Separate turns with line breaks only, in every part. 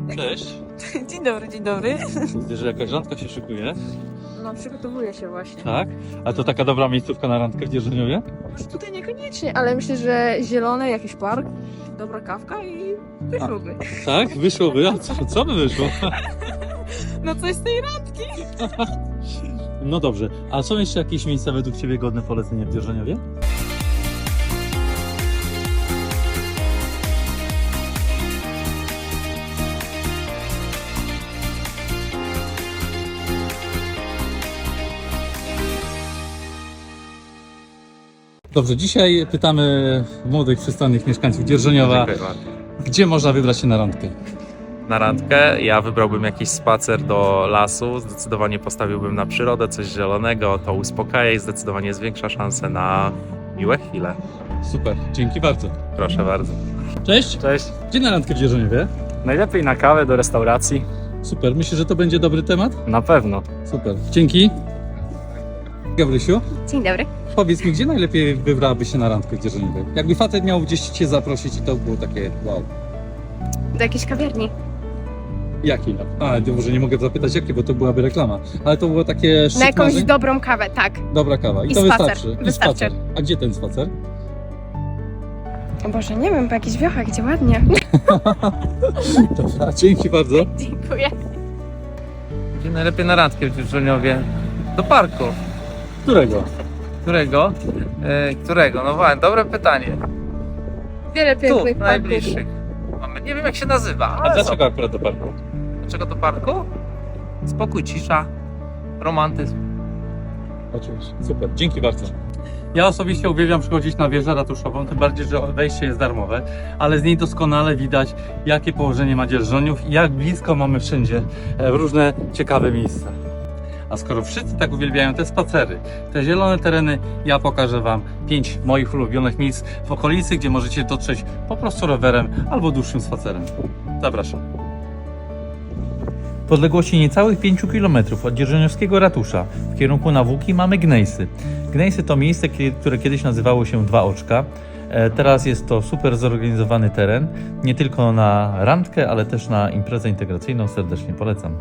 Cześć.
Dzień dobry, dzień dobry.
Widzę, że jakaś randka się szykuje.
No, przygotowuję się właśnie.
Tak? A to taka dobra miejscówka na randkę w Dzierżoniowie?
Tutaj niekoniecznie, ale myślę, że zielone, jakiś park, dobra kawka i wyszłoby.
Tak? Wyszłoby. A co by wyszło?
No coś z tej randki.
No dobrze. A są jeszcze jakieś miejsca według Ciebie godne polecenia w Dzierżoniowie? Dobrze, dzisiaj pytamy młodych, przystojnych mieszkańców Dzierżoniowa,
Dziękuję bardzo.
gdzie można wybrać się na randkę.
Na randkę ja wybrałbym jakiś spacer do lasu, zdecydowanie postawiłbym na przyrodę, coś zielonego, to uspokaja i zdecydowanie zwiększa szanse na miłe chwile.
Super, dzięki bardzo.
Proszę bardzo.
Cześć!
Cześć.
Gdzie na randkę w Dzierżoniowie?
Najlepiej na kawę do restauracji.
Super, myślę, że to będzie dobry temat?
Na pewno.
Super, dzięki. Gabrysiu,
Dzień dobry.
powiedz mi, gdzie najlepiej wybrałabyś się na randkę w Dzierżoniowie? Jakby facet miał gdzieś Cię zaprosić i to było takie wow.
Do jakiejś kawiarni.
Jakiej? A, to może nie mogę zapytać jakie, bo to byłaby reklama. Ale to było takie szczyt
Na jakąś
marzeń?
dobrą kawę, tak.
Dobra kawa. I
I
to
spacer.
wystarczy. I
Wystarczy.
spacer. A gdzie ten spacer?
O Boże, nie wiem, po jakichś wiochach, gdzie ładnie.
Dobra, dzięki bardzo.
Dziękuję.
Gdzie najlepiej na randkę w Dzierżoniowie? Do parku.
Którego?
Którego? Którego? No właśnie, dobre pytanie.
Wiele
Tu,
pięknych parków.
najbliższych. Mamy, nie wiem jak się nazywa,
A
ale
dlaczego akurat do parku?
Dlaczego do parku? Spokój, cisza, romantyzm.
Oczywiście. Super, dzięki bardzo. Ja osobiście uwielbiam przychodzić na wieżę ratuszową, tym bardziej, że wejście jest darmowe, ale z niej doskonale widać, jakie położenie ma Dzierżoniów i jak blisko mamy wszędzie różne ciekawe miejsca. A skoro wszyscy tak uwielbiają te spacery, te zielone tereny, ja pokażę Wam 5 moich ulubionych miejsc w okolicy, gdzie możecie dotrzeć po prostu rowerem albo dłuższym spacerem. Zapraszam. W odległości niecałych 5 km od dzierżoniowskiego ratusza w kierunku na Włóki mamy Gnejsy. Gnejsy to miejsce, które kiedyś nazywało się Dwa Oczka. Teraz jest to super zorganizowany teren, nie tylko na randkę, ale też na imprezę integracyjną. Serdecznie polecam.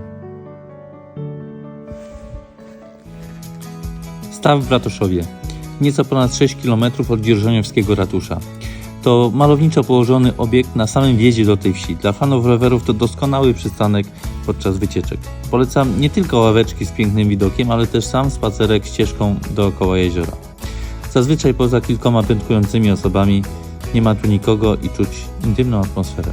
Staw w Ratuszowie. Nieco ponad 6 km od dzierżoniowskiego ratusza. To malowniczo położony obiekt na samym wjeździe do tej wsi. Dla fanów rowerów to doskonały przystanek podczas wycieczek. Polecam nie tylko ławeczki z pięknym widokiem, ale też sam spacerek ścieżką dookoła jeziora. Zazwyczaj poza kilkoma piątkującymi osobami nie ma tu nikogo i czuć intymną atmosferę.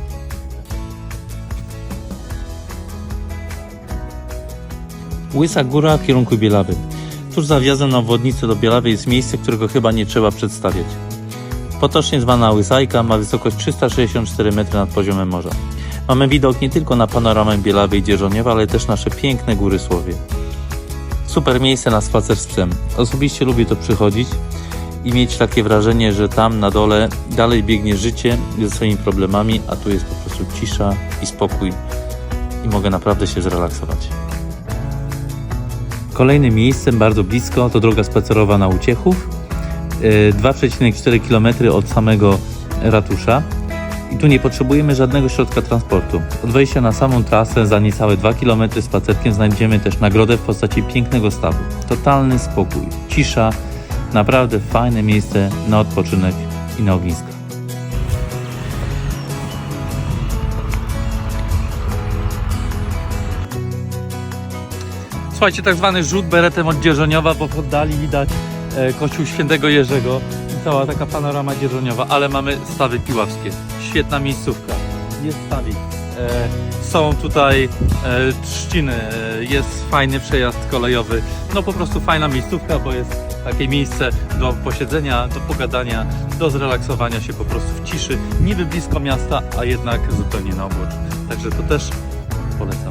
Łysa Góra w kierunku Bielawy. Tuż za wjazdem na obwodnicę do Bielawy jest miejsce, którego chyba nie trzeba przedstawiać. Potocznie zwana Łysajka ma wysokość 364 m nad poziomem morza. Mamy widok nie tylko na panoramę Bielawy i Dzierżoniowa, ale też nasze piękne góry Słowie. Super miejsce na spacer z psem. Osobiście lubię tu przychodzić i mieć takie wrażenie, że tam na dole dalej biegnie życie ze swoimi problemami, a tu jest po prostu cisza i spokój i mogę naprawdę się zrelaksować. Kolejnym miejscem bardzo blisko to droga spacerowa na Uciechów. 2,4 km od samego ratusza i tu nie potrzebujemy żadnego środka transportu. Od wejścia na samą trasę za niecałe 2 km spacerkiem znajdziemy też nagrodę w postaci pięknego stawu. Totalny spokój, cisza, naprawdę fajne miejsce na odpoczynek i na ogniska. Słuchajcie, tak zwany rzut beretem od Dzierżoniowa, bo w oddali widać kościół Świętego Jerzego i cała taka panorama dzierżoniowa, ale mamy stawy piławskie. Świetna miejscówka. Jest stawik. Są tutaj trzciny, jest fajny przejazd kolejowy. No po prostu fajna miejscówka, bo jest takie miejsce do posiedzenia, do pogadania, do zrelaksowania się po prostu w ciszy. Niby blisko miasta, a jednak zupełnie na obłoczu. Także to też polecam.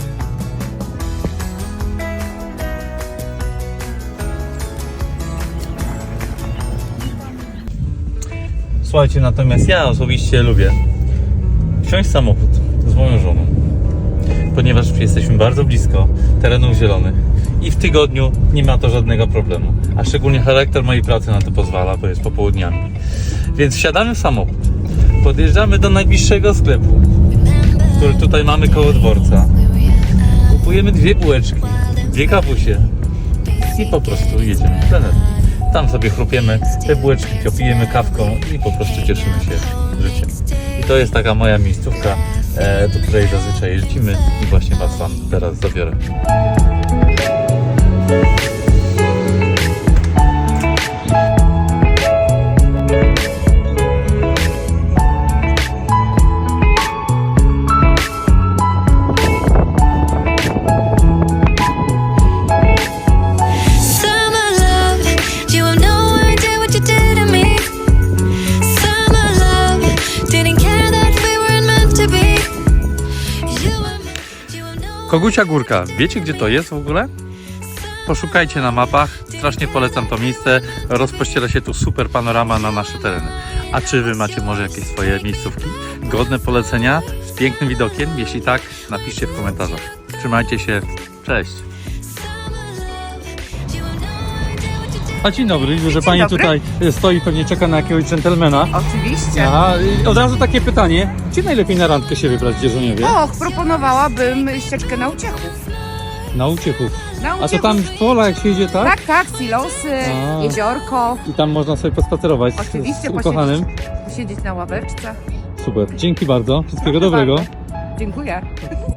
Słuchajcie, natomiast ja osobiście lubię wsiąść w samochód z moją żoną, ponieważ jesteśmy bardzo blisko terenów zielonych i w tygodniu nie ma to żadnego problemu, a szczególnie charakter mojej pracy na to pozwala, bo jest popołudniami. Więc wsiadamy w samochód, podjeżdżamy do najbliższego sklepu, w który tutaj mamy koło dworca. Kupujemy 2 bułeczki, 2 kawusie i po prostu jedziemy w plener. Tam sobie chrupiemy te bułeczki, pijemy kawką i po prostu cieszymy się życiem. I to jest taka moja miejscówka, do której zazwyczaj jeździmy i właśnie Was tam teraz zabiorę.
Summer love, you have no idea what you did to me. Summer love, didn't care that we weren't meant to be. You have no
Kogucia Górka. Wiecie, gdzie to jest w ogóle? Poszukajcie na mapach. Strasznie polecam to miejsce. Rozpościera się tu super panorama na nasze tereny. A czy Wy macie może jakieś swoje miejscówki godne polecenia z pięknym widokiem? Jeśli tak, napiszcie w komentarzach. Trzymajcie się. Cześć. A dzień dobry, widzę, że Pani
dobry.
tutaj stoi, pewnie czeka na jakiegoś dżentelmena.
Oczywiście.
Aha, i od razu takie pytanie. Gdzie najlepiej na randkę się wybrać w Dzierżoniowie?
Och, proponowałabym ścieżkę na Uciechów.
Na Uciechów.
Na
A to
Uciechów.
tam pola jak się idzie, tak?
Tak, tak, silosy,
A.
jeziorko.
I tam można sobie pospacerować
Oczywiście,
z ukochanym.
posiedzieć na ławeczce.
Super, dzięki bardzo, wszystkiego
Proszę
dobrego.
bardzo. Dziękuję.